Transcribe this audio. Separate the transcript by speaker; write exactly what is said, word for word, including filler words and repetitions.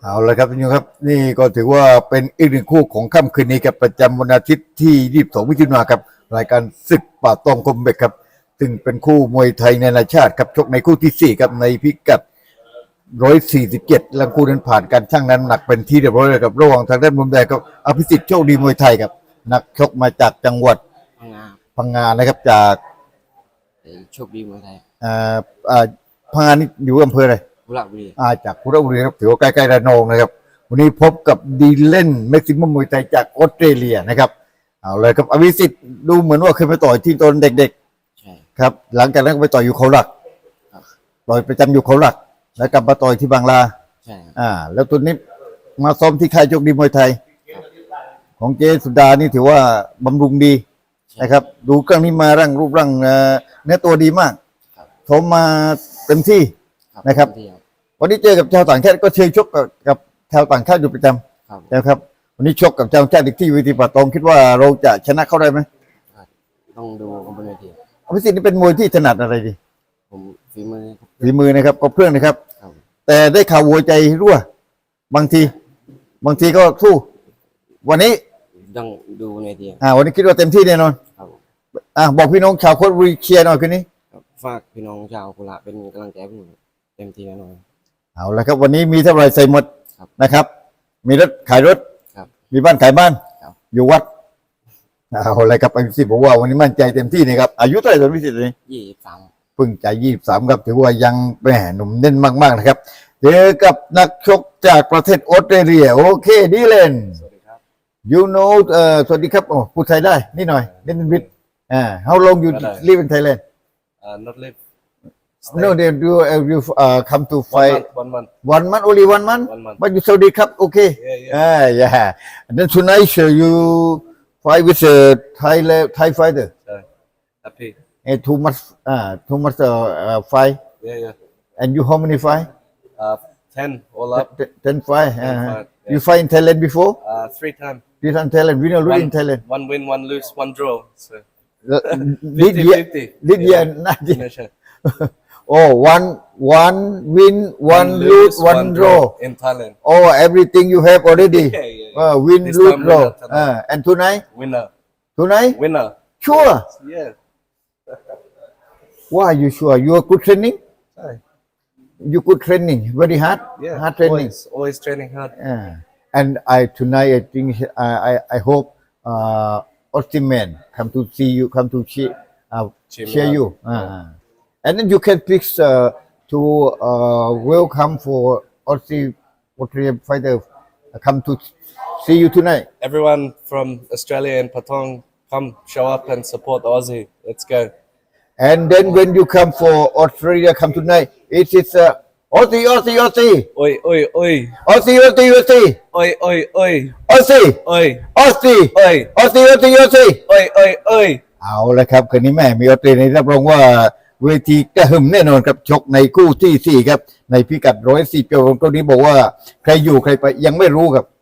Speaker 1: เอาละครับทุกท่านครับนี่ก็ถือว่าเป็นอีกหนึ่งคู่ของค่ำคืนนี้ครับประจำวันอาทิตย์ที่ยี่สิบสองมิถุนายนครับรายการศึกป่าตองคมเบกครับซึ่งเป็นคู่มวยไทยนานาชาติครับชกในคู่ที่สี่ครับในพิกัดหนึ่งร้อยสี่สิบเจ็ดลังคู่นั้นผ่านการชั่งน้ำหนักเป็นที่เรียบร้อยแล้วครับระหว่างทางด้านมุมแดงครับอภิสิทธิ์โชคดีมวยไทยครับนักชกมาจากจังหวัด
Speaker 2: พังงา
Speaker 1: พังงานะครับจาก
Speaker 2: ไอ้โชคดีเมืองไทย
Speaker 1: อ่าอ่าพังงานี่อยู่อำเภออะไร
Speaker 2: บุรีบุรี
Speaker 1: อาจากคุระบุรีครับถือว่าใกล้ๆระนองนะครับวันนี้พบกับดีเล่นเม็กซิมัมมวยไทยจากออสเตรเลียนะครับเอาเลยครับอภิสิทธิ์ดูเหมือนว่าเคยไปต่อยที่ตอนเด็ก
Speaker 2: ใช่
Speaker 1: ๆครับหลังจากนั้นก็ไปต่อยอยู่เขาหลัก
Speaker 2: ครับ
Speaker 1: ต่อยประจำอยู่เขาหลักแล้วกลับมาต่อยที่บางลา
Speaker 2: ใช่ครับ
Speaker 1: อ่าแล้วตัวนี้มาซ้อมที่ค่ายโชคดีมวยไทย ของเจสุดานี่ถือว่าบำรุงดีนะครับดูเครื่องนี้มาร่างรูปร่างเอ่อเนื้อตัวดีมาก
Speaker 2: ครับ
Speaker 1: ซ้อมมาเต็มที่ นะครับ
Speaker 2: เดียว
Speaker 1: วันนี้เจอกับชาวต่างชาติก็เชิญชกกับกับชาวต่างชาติอยู่ประจำ
Speaker 2: ครับ
Speaker 1: นะครับวันนี้ชกกับชาวต่างชาติอีกที่เวทีป่าตองคิดว่าเราจะชนะเขาได้ไหม
Speaker 2: ต้องดูคอมเพลตที
Speaker 1: อภิสิทธิ์นี่เป็นมวยที่ถนัดอะไรดี
Speaker 2: ผมฝีมือครับ
Speaker 1: ฝีมือนะครับก็เพื่อนนะครับ
Speaker 2: ครับ
Speaker 1: แต่ได้ข่าววัวใจรั่วบางที บางทีก็สู้วันนี้
Speaker 2: ต้องดูในที
Speaker 1: อ่าวันนี้คิดว่าเต็มที่แน่นอน
Speaker 2: ครับ
Speaker 1: อ่าบอกพี่น้องชาวโคตรบุรีเชียร์หน่อยคืนนี้
Speaker 2: ครับฝากพี่น้องชาวโคราชเป็นกำลังใจให้ผมเต็มที่แน่นอน
Speaker 1: เอาละครับวันนี้มีเท่าไหรใส่หมด
Speaker 2: ครับ
Speaker 1: นะครับ มีรถขายรถ
Speaker 2: ครับ
Speaker 1: มีบ้านขายบ้าน
Speaker 2: ครับ
Speaker 1: อยู่วัดเอาละครับอภิสิทธิ์บอกว่าวันนี้มั่นใจเต็มที่นะครับอายุเท่าไหร่ตอนอภิสิทธิ์นี่
Speaker 2: ยี่สิบสาม
Speaker 1: เพิ่งจะยี่สิบสามครับถือว่ายังแหมหนุ่มเน้นมากๆนะครับเจอกับนักชกจากประเทศออสเตรเลียโอเคดีเลน
Speaker 3: สวัสดีครับ
Speaker 1: you know เอ่อสวัสดีครับโอ้พูดไทยได้นิดหน่อยเล่นวิทอ่า how long you
Speaker 3: ได้
Speaker 1: live in Thailand
Speaker 3: uh, not live
Speaker 1: no they do uh, you uh, come to
Speaker 3: one
Speaker 1: fight
Speaker 3: month one month
Speaker 1: one month only one month
Speaker 3: one month
Speaker 1: but you Saudi cup okay
Speaker 3: yeah yeah
Speaker 1: ah yeah and then tonight uh, you fight with a Thai le- Thai fighter
Speaker 3: so, happy
Speaker 1: and too much uh, too much uh, uh, fight
Speaker 3: yeah yeah
Speaker 1: and you how many fight
Speaker 3: uh, ten all up
Speaker 1: T- ten fight
Speaker 3: Ten
Speaker 1: uh,
Speaker 3: fight, yeah.
Speaker 1: you fight in Thailand before
Speaker 3: uh, three times
Speaker 1: you in Thailand win or lose
Speaker 3: one,
Speaker 1: in Thailand
Speaker 3: one win one lose one draw so
Speaker 1: this year
Speaker 3: fifty
Speaker 1: this year not yet.
Speaker 3: yeah, sure.
Speaker 1: Oh, one one win, one, lose, one draw.
Speaker 3: in Thailand
Speaker 1: Oh, everything you have already.
Speaker 3: yeah yeah, yeah.
Speaker 1: Uh, win,
Speaker 3: This
Speaker 1: lose,
Speaker 3: time
Speaker 1: draw.
Speaker 3: winner, tonight.
Speaker 1: Uh, and tonight,
Speaker 3: winner
Speaker 1: tonight,
Speaker 3: winner
Speaker 1: sure.
Speaker 3: yeah
Speaker 1: Why are you sure? You are good training.
Speaker 3: Sorry.
Speaker 1: You good training, very hard,
Speaker 3: yeah
Speaker 1: hard training.
Speaker 3: always, always training hard
Speaker 1: Uh, and I tonight I think I I, I hope uh, Austin man come to see you, come to cheer, uh,
Speaker 3: Cheer me
Speaker 1: cheer
Speaker 3: up.
Speaker 1: you. Uh, and then you can please uh, to uh, welcome for Aussie Australian fighter uh, come to see you tonight.
Speaker 3: everyone from Australia and Patong come show up and support Aussie let's go
Speaker 1: And then when you come for Australia, come tonight. It is uh, Aussie, Aussie, Aussie,
Speaker 3: oi oi oi
Speaker 1: Aussie, Aussie, Aussie,
Speaker 3: oi oi oi
Speaker 1: Aussie,
Speaker 3: oi
Speaker 1: Aussie,
Speaker 3: oi
Speaker 1: Aussie, Aussie, Aussie.
Speaker 3: oi oi oi
Speaker 1: เอาละครับคืนนี้แม่มีออสเตรเลียรับรองว่าเวทีกระหึ่มแน่นอนครับชกในคู่ที่สี่ครับในพิกัดร้อยสี่เปียวตัวนี้บอกว่าใครอยู่ใครไปยังไม่รู้ครับ